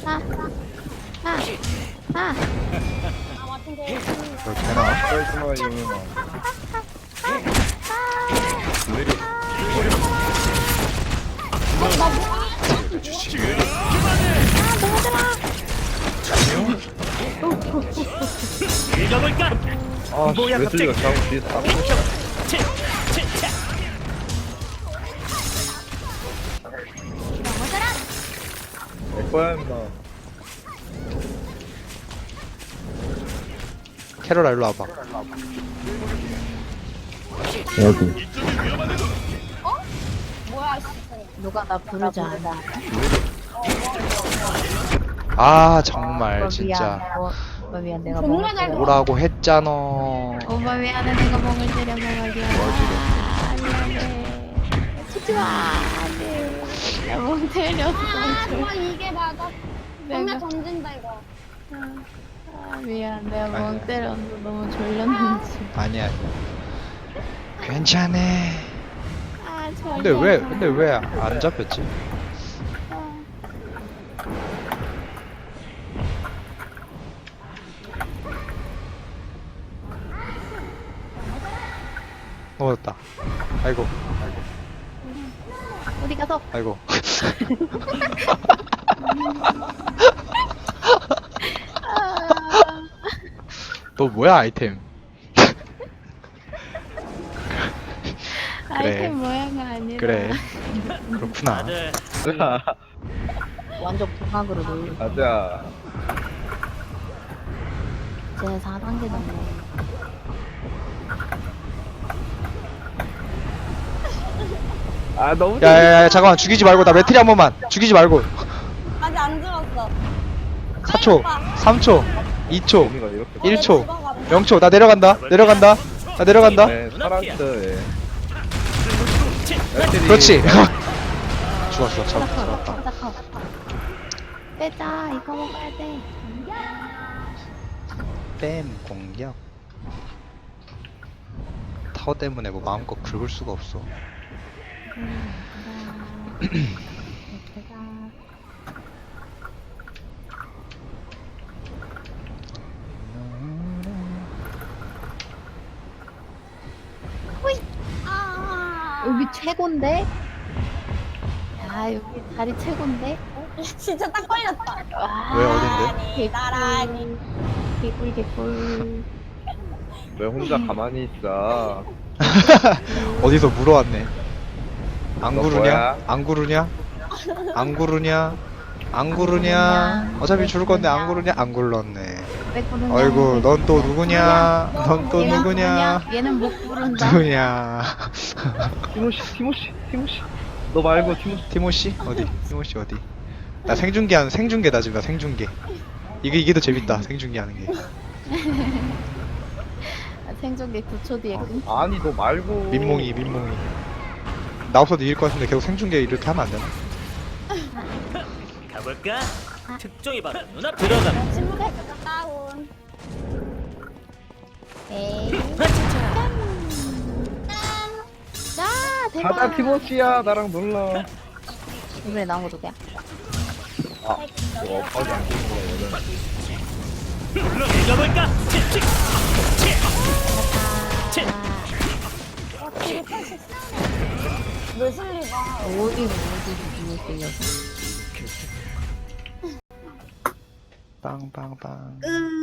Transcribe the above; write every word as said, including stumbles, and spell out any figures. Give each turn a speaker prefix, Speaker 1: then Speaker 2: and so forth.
Speaker 1: 아, 아, 아.
Speaker 2: 저 되나?
Speaker 3: 쩔지마 이놈아.
Speaker 4: 읽어볼까?
Speaker 3: 아, 씨,
Speaker 4: 뭐야,
Speaker 3: 웨슬리가
Speaker 4: 갑자기.
Speaker 3: 자고 뒤에서 딱
Speaker 4: 치, 치, 치.
Speaker 3: 내 거야 임마.
Speaker 2: 캐롤아 일로 와봐.
Speaker 3: 여기.
Speaker 1: 누가 나 부르지 않아.
Speaker 2: 아 정말
Speaker 1: 오빠
Speaker 2: 진짜
Speaker 1: 미안. 어, 오빠 미안. 내가 먹을 때려.
Speaker 2: 오라고 했잖아.
Speaker 1: 오빠 미안해. 내가 먹을 때려 먹을게. 아, 미안해. 치지 마. 안돼. 나멍 때렸어.
Speaker 5: 아, 이게 맞아. 정말
Speaker 1: 내가
Speaker 5: 던진다 이거.
Speaker 1: 아, 미안. 내가 멍
Speaker 2: 아니야.
Speaker 1: 때렸어. 너무 졸렸는지.
Speaker 2: 아니야. 괜찮아.
Speaker 1: 아, 졸려.
Speaker 2: 근데 왜 근데 왜 안 잡혔지? 넘어졌다. 아이고
Speaker 1: 어디 가서?
Speaker 2: 아이고. 너 뭐야 아이템?
Speaker 1: 아이템 모양이 아니라.
Speaker 2: 그래. 그렇구나.
Speaker 4: 다들
Speaker 3: 가자.
Speaker 1: 완전 부각으로 놀려.
Speaker 3: 가자.
Speaker 1: 제 사 단계 넘네.
Speaker 3: 아 너무.
Speaker 2: 야야야 잠깐만 죽이지 말고 나 매트리 한 번만 죽이지 말고.
Speaker 5: 아직 안 죽었어.
Speaker 2: 사 초 삼 초 이 초
Speaker 3: 재미가 이렇게.
Speaker 2: 일 초 영 초 나 내려간다 내려간다 나 내려간다.
Speaker 3: 네, 살았어. 예.
Speaker 4: 치.
Speaker 3: 웨슬리.
Speaker 2: 그렇지. 죽었어 잡, 잡았다.
Speaker 1: 잠깐. 빼자. 이거 먹어야 돼.
Speaker 2: 뺨 공격. 타워 때문에 뭐 마음껏 긁을 수가 없어.
Speaker 5: 아,
Speaker 1: 여기 최곤데? 야, 여기 다리 최곤데?
Speaker 5: 진짜 딱 걸렸다.
Speaker 1: 와.
Speaker 2: 왜 어딘데?
Speaker 5: 나란히.
Speaker 1: 개꿀, 개꿀.
Speaker 3: 왜 혼자 가만히 있어?
Speaker 2: 어디서 물어왔네. 안
Speaker 3: 너
Speaker 2: 구르냐?
Speaker 3: 뭐야?
Speaker 2: 안 구르냐? 안 구르냐? 안 구르냐? 어차피 죽을 건데 안 구르냐? 안 굴렀네.
Speaker 1: 왜 부르냐?
Speaker 2: 아이고 넌 또 누구냐? 넌 또
Speaker 1: 얘는
Speaker 2: 누구냐?
Speaker 1: 부르냐? 얘는 못 부른다.
Speaker 2: 누구냐?
Speaker 3: 티모시, 티모시, 티모시. 너 말고 티모시.
Speaker 2: 티모시? 어디? 티모시 어디? 나 생중계 하는 생중계다 지금 나 생중계. 이게 이게 더 재밌다 생중계 하는 게.
Speaker 1: 아, 생존기 구 초 뒤에 끊.
Speaker 3: 아니 너 말고.
Speaker 2: 민몽이 민몽이. 나 없어도 이길 것 같은데 계속 생중계 이렇게 하면 안 되나?
Speaker 4: 가볼까? 특종이 바로 눈앞 들어가.
Speaker 5: 침묵의 다운.
Speaker 1: 에이. 자, 대박.
Speaker 3: 가자 티모시야 나랑 놀러.
Speaker 1: 이번에 나온 거 누구야?
Speaker 3: 아, 이거 엇박이 안 되는 거거든.
Speaker 4: 읽어볼까? 치, 치, 치, 치.
Speaker 5: 어, 되게 펼쳤어. 웨슬리가
Speaker 1: 어디 어디 누구 끌려서?
Speaker 2: 빵빵빵.
Speaker 5: 으